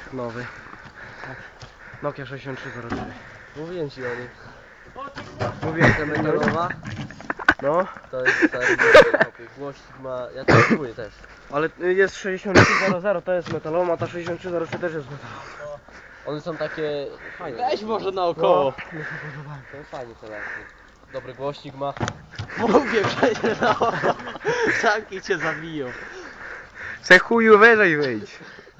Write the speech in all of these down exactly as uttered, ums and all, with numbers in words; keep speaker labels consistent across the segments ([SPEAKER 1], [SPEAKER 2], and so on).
[SPEAKER 1] nowy. Nokia sześćdziesiąt trzy zero trzy.
[SPEAKER 2] Mówiłem ci o nim.
[SPEAKER 1] Mówiłem,
[SPEAKER 2] Ta metalowa
[SPEAKER 1] no,
[SPEAKER 2] to jest stary głośnik ma... Ja to kupuję też.
[SPEAKER 1] ale jest sześćdziesiąt trzy zero zero, to jest metalowa, a ta sześćdziesiąt trzy zero trzy też jest metalowa.
[SPEAKER 2] One są takie fajne.
[SPEAKER 3] Weź może naokoło.
[SPEAKER 1] No, mi się podobają.
[SPEAKER 2] To jest fajnie teraz. Dobry głośnik ma.
[SPEAKER 3] Mówię przecież na oko. Zamki cię zabiją.
[SPEAKER 4] Se chuju wyżej wyjdź.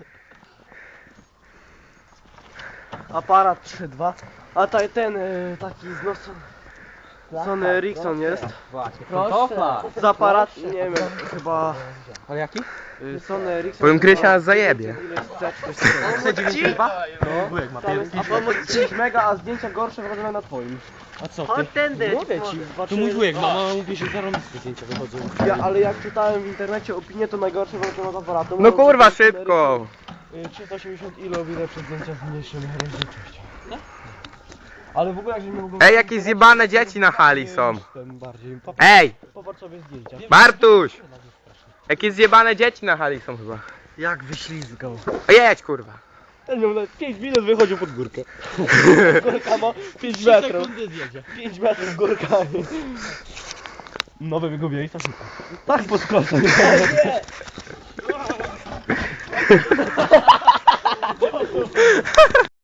[SPEAKER 1] Aparat trzy dwa. A taj, ten y, taki z nosem. Sony Ericsson jest.
[SPEAKER 3] Właśnie,
[SPEAKER 2] Proszę.
[SPEAKER 1] Z aparat, nie wiem, chyba
[SPEAKER 2] Ale jaki?
[SPEAKER 1] y, Sony Ericsson.
[SPEAKER 4] Powiem, Krysia
[SPEAKER 1] chyba
[SPEAKER 4] nas zajebie.
[SPEAKER 1] Ile jest C, coś takiego.
[SPEAKER 3] C dziewięćdziesiąt dwa?
[SPEAKER 1] No, tam jest pięć mega, a zdjęcia gorsze wychodzą na twoim.
[SPEAKER 3] A co
[SPEAKER 1] Chodź tędy. Mówię ci,
[SPEAKER 3] To
[SPEAKER 1] zobaczymy.
[SPEAKER 3] mój wujek, no, no mówi, że zarąbiste zdjęcia wychodzą.
[SPEAKER 1] Ja, ale jak czytałem w internecie opinię, to najgorsze wychodzą od aparatu.
[SPEAKER 4] No
[SPEAKER 1] Mówią,
[SPEAKER 4] kurwa,
[SPEAKER 1] że ten
[SPEAKER 4] szybko.
[SPEAKER 1] Ericsson, y, trzysta osiemdziesiąt ilo widać przez zdjęcia z mniejszą rozdzielczością. Ale w ogóle jak żeśmy mogli...
[SPEAKER 4] Ej, jakieś zjebane dzieci na hali są.
[SPEAKER 1] Ten bardziej. Popatrz,
[SPEAKER 4] Ej,
[SPEAKER 1] popatrz sobie zdjęcia.
[SPEAKER 4] Bartuś! Jakieś zjebane dzieci na hali są chyba.
[SPEAKER 1] Jak wyślizgał.
[SPEAKER 4] O, jedź kurwa.
[SPEAKER 1] Ten miał na pięć minut wychodził pod górkę. Górka ma pięć metrów.
[SPEAKER 3] Sekundy zjedzie.
[SPEAKER 1] pięć metrów górkami. Nowe wygubienie tak szybko. Tak podskoczył. Nie!